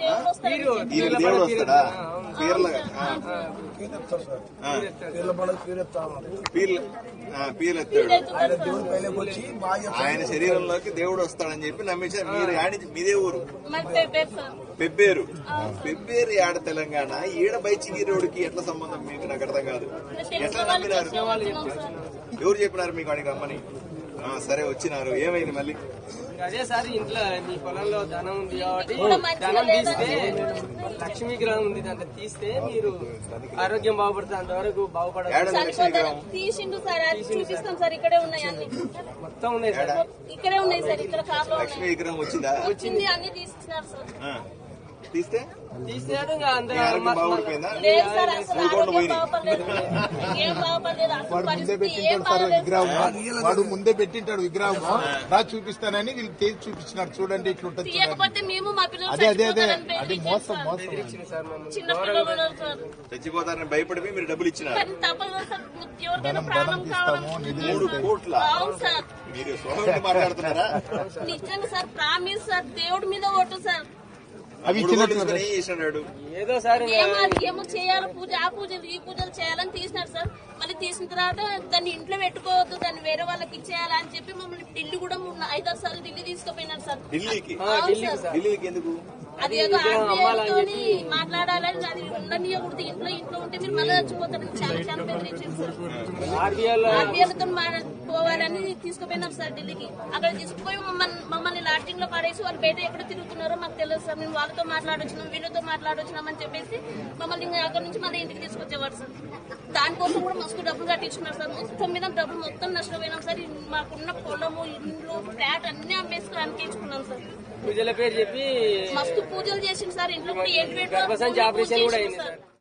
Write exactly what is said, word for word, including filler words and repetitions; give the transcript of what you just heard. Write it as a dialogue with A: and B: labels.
A: దేవుడు వస్తాడా? పీర్ల పీర్లు ఎత్తాడు. ఆయన శరీరంలోకి దేవుడు వస్తాడని చెప్పి నమ్మించారు. మీరు మీదే ఊరు పెబ్బేరు. పెబ్బేరు ఆడ తెలంగాణ. ఈడ బైచిగిరోడికి ఎట్లా సంబంధం మీకు? నాకు అర్థం కాదు. ఎట్లా నమ్మినారు? ఎవరు చెప్పినారు మీకు అడిగి రమ్మని? సరే వచ్చినారు, ఏమైంది మళ్ళీ?
B: అదే సార్, ఇంట్లో మీ పొలంలో ధనం ఉంది కాబట్టి ధనం తీస్తే లక్ష్మీ గ్రహం ఉంది, దాంట్లో తీస్తే మీరు ఆరోగ్యం బాగుపడుతుంది, అంతవరకు బాగుపడాలి. మొత్తం ఉన్నాయి సార్,
C: ఇక్కడే ఉన్నాయి సార్. ఇక్కడ
A: లక్ష్మీ విగ్రహం వచ్చిందా?
C: వచ్చింది, అన్ని తీసుకున్నారు సార్.
A: తీస్తే
B: తీసినాడు.
D: వాడు ముందే పెట్టింటాడు విగ్రహం, రా చూపిస్తానని వీళ్ళు తేజ్ చూపించినాడు. చూడండి ఇట్లుంటది. అదే అదే అదే అది మోసం మోసం.
A: చచ్చిపోతారని భయపడి మీరు డబ్బులు ఇచ్చినారు.
D: ధనం ధనం తీస్తాము, నిధులు
A: కోట్ల. మీరు సోదరుడు మాట్లాడుతున్నారా?
C: నిజంగా సార్, ప్రామిస్ సార్, దేవుడి మీద ఓటు సార్.
D: అవి
B: ఏదో సార్
C: ఏమో చేయాలి, పూజ ఆ పూజలు ఈ పూజలు చేయాలని తీసినారు సార్. మళ్ళీ తీసిన తర్వాత దాన్ని ఇంట్లో పెట్టుకోవద్దు, దాన్ని వేరే వాళ్ళకి ఇచ్చేయాలి అని చెప్పి మమ్మల్ని ఢిల్లీ కూడా ఐదారు సార్లు ఢిల్లీ తీసుకుపోయినారు సార్.
A: ఢిల్లీకి? ఎందుకు?
C: అది ఏదో ఆర్బీఐతో మాట్లాడాలని, అది ఉండనియకూడదు. ఇంట్లో ఇంట్లో ఉంటే మీరు మళ్ళీ చచ్చిపోతారని చాలా చాలా బెదిరించారు సార్. ఆర్బీఐలతో పోవాలని తీసుకుపోయినారు సార్ ఢిల్లీకి. అక్కడ తీసుకుపోయి మమ్మల్ని మమ్మల్ని లాడ్జింగ్ లో పడేసి వాళ్ళు బయట ఎక్కడ తిరుగుతున్నారో మాకు తెలియదు సార్. మేము వాళ్ళతో మాట్లాడొచ్చినాం, వీళ్ళతో మాట్లాడొచ్చినాం అని చెప్పేసి మమ్మల్ని అక్కడ నుంచి మళ్ళీ ఇంటికి తీసుకొచ్చేవారు సార్. దానికోసం కూడా మస్తు డబ్బులు కట్టించుకున్నారు సార్. మొత్తం మీద డబ్బులు మొత్తం నష్టపోయినాం సార్. మాకున్న పొలము, ఇండ్లు, ఫ్లాట్ అన్ని అమ్మేసుకుని అనిపించుకున్నాం సార్.
B: పూజల పేరు చెప్పి
C: మస్తు పూజలు చేసింది సార్. ఇంట్లో కూడా ఏంటి
B: ఆపరేషన్ కూడా అయింది సార్.